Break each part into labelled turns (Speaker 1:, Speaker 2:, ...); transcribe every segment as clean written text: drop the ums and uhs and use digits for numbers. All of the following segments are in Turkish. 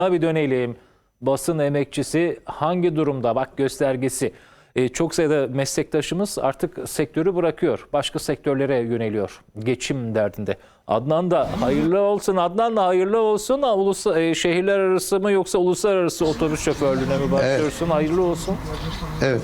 Speaker 1: Bir dönelim. Basın emekçisi hangi durumda? Bak göstergesi. Çok sayıda meslektaşımız artık sektörü bırakıyor. Başka sektörlere yöneliyor. Geçim derdinde. Adnan da hayırlı olsun. Adnan da hayırlı olsun. Şehirler arası mı yoksa uluslararası otobüs şoförlüğüne mi başlıyorsun? Evet. Hayırlı olsun.
Speaker 2: Evet.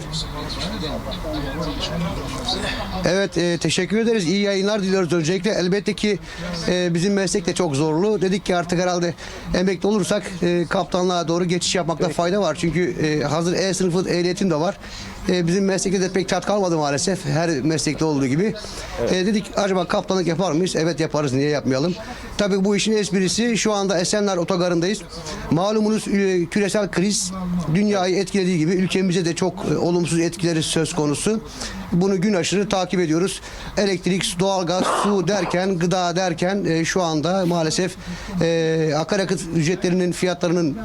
Speaker 2: Evet, teşekkür ederiz. İyi yayınlar diliyoruz öncelikle. Elbette ki bizim meslek de çok zorlu. Dedik ki artık herhalde emekli olursak kaptanlığa doğru geçiş yapmakta fayda var. Çünkü hazır E sınıfı ehliyetim de var. Bizim meslekte de pek tat kalmadı maalesef. Her meslekte olduğu gibi. Dedik acaba kaptanlık yapar mıyız? Evet yaparız. Niye yapmayalım? Tabii bu işin esprisi şu anda Esenler Otogarı'ndayız. Malumunuz küresel kriz dünyayı etkilediği gibi ülkemize de çok olumsuz etkileri söz konusu. Bunu gün aşırı takip ediyoruz. Elektrik, doğalgaz, su derken, gıda derken şu anda maalesef akaryakıt ücretlerinin fiyatlarının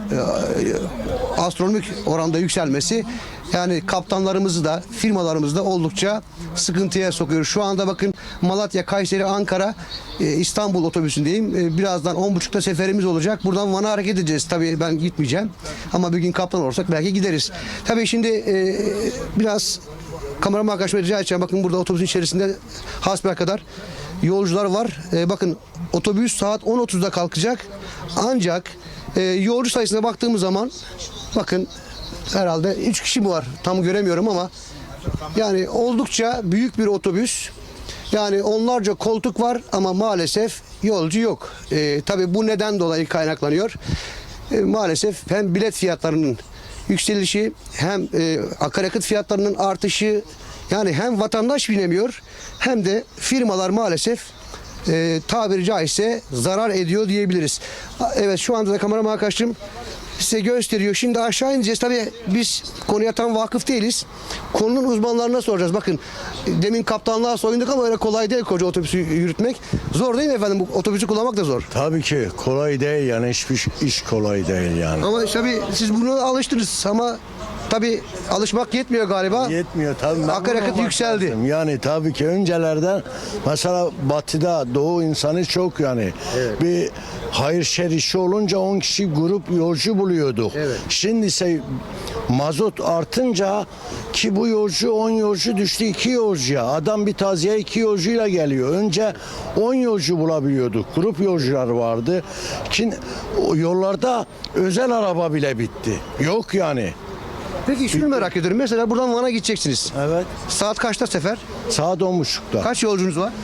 Speaker 2: astronomik oranda yükselmesi yani kaptanlarımızı da firmalarımızı da oldukça sıkıntıya sokuyor. Şu anda bakın Malatya, Kayseri, Ankara, İstanbul otobüsündeyim. Birazdan 10.30'da seferimiz olacak. Buradan Van'a hareket edeceğiz. Tabii ben gitmeyeceğim. Ama bir gün kaptan olursak belki gideriz. Tabii şimdi biraz kameraman arkadaşıma rica edeceğim. Bakın burada otobüsün içerisinde hasbelkader yolcular var. Bakın otobüs saat 10.30'da kalkacak. Ancak yolcu sayısına baktığımız zaman bakın herhalde 3 kişi mi var? Tam göremiyorum ama yani oldukça büyük bir otobüs. Yani onlarca koltuk var ama maalesef yolcu yok. Tabii bu neden dolayı kaynaklanıyor. Maalesef hem bilet fiyatlarının yükselişi hem akaryakıt fiyatlarının artışı yani hem vatandaş binemiyor hem de firmalar maalesef tabiri caizse zarar ediyor diyebiliriz. Evet şu anda da kameraman arkadaşım size gösteriyor. Şimdi aşağı ineceğiz. Tabii biz konuya tam vakıf değiliz. Konunun uzmanlarına soracağız. Bakın demin kaptanlığa soyunduk ama öyle kolay değil koca otobüsü yürütmek. Zor değil mi efendim? Bu otobüsü kullanmak da zor.
Speaker 3: Tabii ki kolay değil yani hiçbir iş kolay değil yani.
Speaker 2: Ama tabii siz buna alıştınız ama tabii alışmak yetmiyor galiba.
Speaker 3: Yetmiyor tabii.
Speaker 2: Akaryakıt yükseldi.
Speaker 3: Lazım. Yani tabii ki öncelerden mesela batıda doğu insanı çok yani. Evet. Bir hayır şer işi olunca 10 kişi grup yolcu buluyorduk.
Speaker 2: Evet.
Speaker 3: Şimdi ise mazot artınca ki bu yolcu 10 yolcu düştü 2 yolcuya. Adam bir taziye 2 yolcuyla geliyor. Önce 10 yolcu bulabiliyorduk. Grup yolcular vardı. Ki yollarda özel araba bile bitti. Yok yani.
Speaker 2: Peki şunu merak ediyorum. Mesela buradan Van'a gideceksiniz.
Speaker 3: Evet.
Speaker 2: Saat kaçta sefer?
Speaker 3: Saat 10.30'da.
Speaker 2: Kaç yolcunuz var?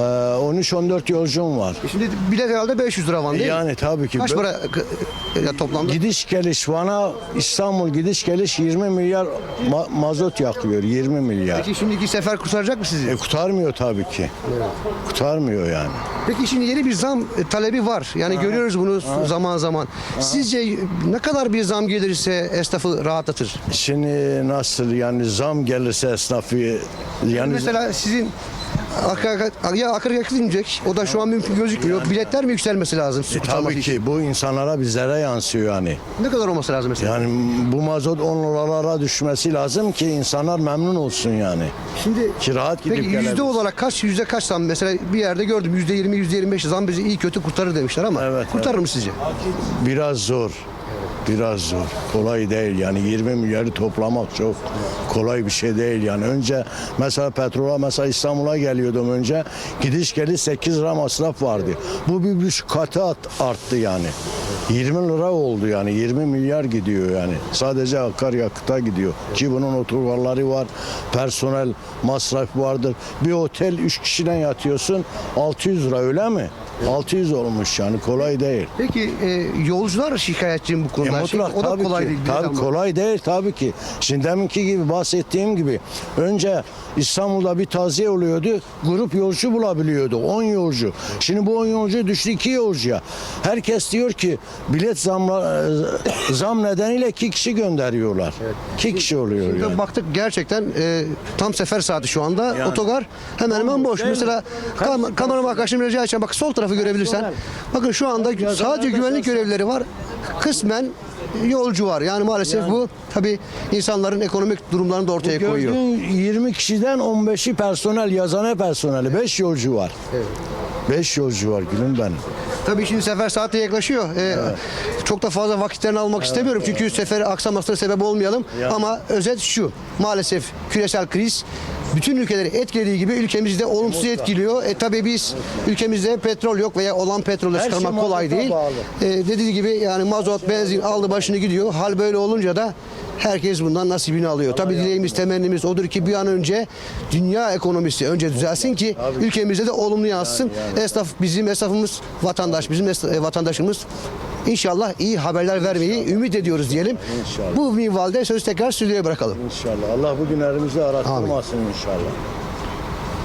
Speaker 3: 13-14 yolcum var.
Speaker 2: Şimdi bilet herhalde 500 lira Van değil mi?
Speaker 3: Yani tabii ki.
Speaker 2: Kaç para toplamda?
Speaker 3: Gidiş geliş Van'a İstanbul gidiş geliş 20 milyar mazot yakıyor. 20 milyar.
Speaker 2: Peki şimdiki sefer kurtaracak mı sizi?
Speaker 3: Kurtarmıyor tabii ki. Evet. Kurtarmıyor yani.
Speaker 2: Peki şimdi yeni bir zam talebi var. Yani görüyoruz bunu zaman zaman. Sizce ne kadar bir zam gelirse esnafı rahatlatır?
Speaker 3: Şimdi nasıl yani zam gelirse esnafı yani
Speaker 2: mesela sizin akaryakıt inecek. O da şu an mümkün gözükmüyor. Yani, biletler mi yükselmesi lazım?
Speaker 3: Tabii ki bu insanlara bizlere yansıyor yani.
Speaker 2: Ne kadar olması lazım mesela?
Speaker 3: Yani bu mazot 10 liralara düşmesi lazım ki insanlar memnun olsun yani.
Speaker 2: Şimdi
Speaker 3: ki rahat gidip
Speaker 2: peki yüzde olarak yüzde kaç zam? Mesela bir yerde gördüm %20, %25 zam bizi iyi kötü kurtarır demişler ama kurtarır mı sizce?
Speaker 3: Biraz zor. Biraz zor. Kolay değil yani 20 milyarı toplamak çok kolay bir şey değil yani. Önce mesela petrola mesela İstanbul'a geliyordum önce gidiş geliş 8 lira masraf vardı. Bu bir buçuk katı arttı yani. 20 lira oldu yani 20 milyar gidiyor yani. Sadece akaryakıta gidiyor. Ki bunun otogarları var, personel masrafı vardır. Bir otel 3 kişiden yatıyorsun 600 lira öyle mi? 600 olmuş yani kolay değil.
Speaker 2: Peki yolcular şikayetçi bu konuda.
Speaker 3: Mutlak,
Speaker 2: o da
Speaker 3: tabii
Speaker 2: kolay
Speaker 3: ki,
Speaker 2: değil.
Speaker 3: Tabii kolay değil tabii ki. Şimdi deminki gibi bahsettiğim gibi önce İstanbul'da bir taziye oluyordu. Grup yolcu bulabiliyordu. 10 yolcu. Şimdi bu 10 yolcu düştü 2 yolcuya. Herkes diyor ki bilet zam nedeniyle 2 kişi gönderiyorlar. Evet. 2 kişi oluyor
Speaker 2: şimdi
Speaker 3: yani.
Speaker 2: Baktık gerçekten tam sefer saati şu anda. Yani, otogar hemen boş. Mesela kameraman arkadaşım rica edeceğim. Bak sol tarafı görebilirsen. Bakın şu anda sadece güvenlik görevlileri var. Kısmen yolcu var. Yani maalesef bu tabii insanların ekonomik durumlarını da ortaya koyuyor.
Speaker 3: 20 kişiden 15'i personel, yazane personeli. 5 yolcu var. Evet. 5 yolcu var gülüm benim.
Speaker 2: Tabii şimdi sefer saati yaklaşıyor. Çok da fazla vakitlerini almak istemiyorum. Çünkü seferi aksamasına sebep olmayalım. Ama özet şu. Maalesef küresel kriz bütün ülkeleri etkilediği gibi ülkemizde olumsuz etkiliyor. Tabii biz ülkemizde petrol yok veya olan petrolü çıkarmak
Speaker 3: şey
Speaker 2: kolay
Speaker 3: mazota
Speaker 2: değil.
Speaker 3: bağlı.
Speaker 2: Dediği gibi yani mazot, benzin aldı başını gidiyor. Hal böyle olunca da herkes bundan nasibini alıyor. Tabii dileğimiz, temennimiz odur ki bir an önce dünya ekonomisi önce düzelsin ki ülkemizde de olumlu yansısın. Bizim esnafımız vatandaş, bizim vatandaşımız İnşallah iyi haberler vermeyi ümit ediyoruz diyelim.
Speaker 3: İnşallah.
Speaker 2: Bu minvalde sözü tekrar stüdyoya bırakalım.
Speaker 3: İnşallah. Allah bu günlerimizi aratmasın inşallah.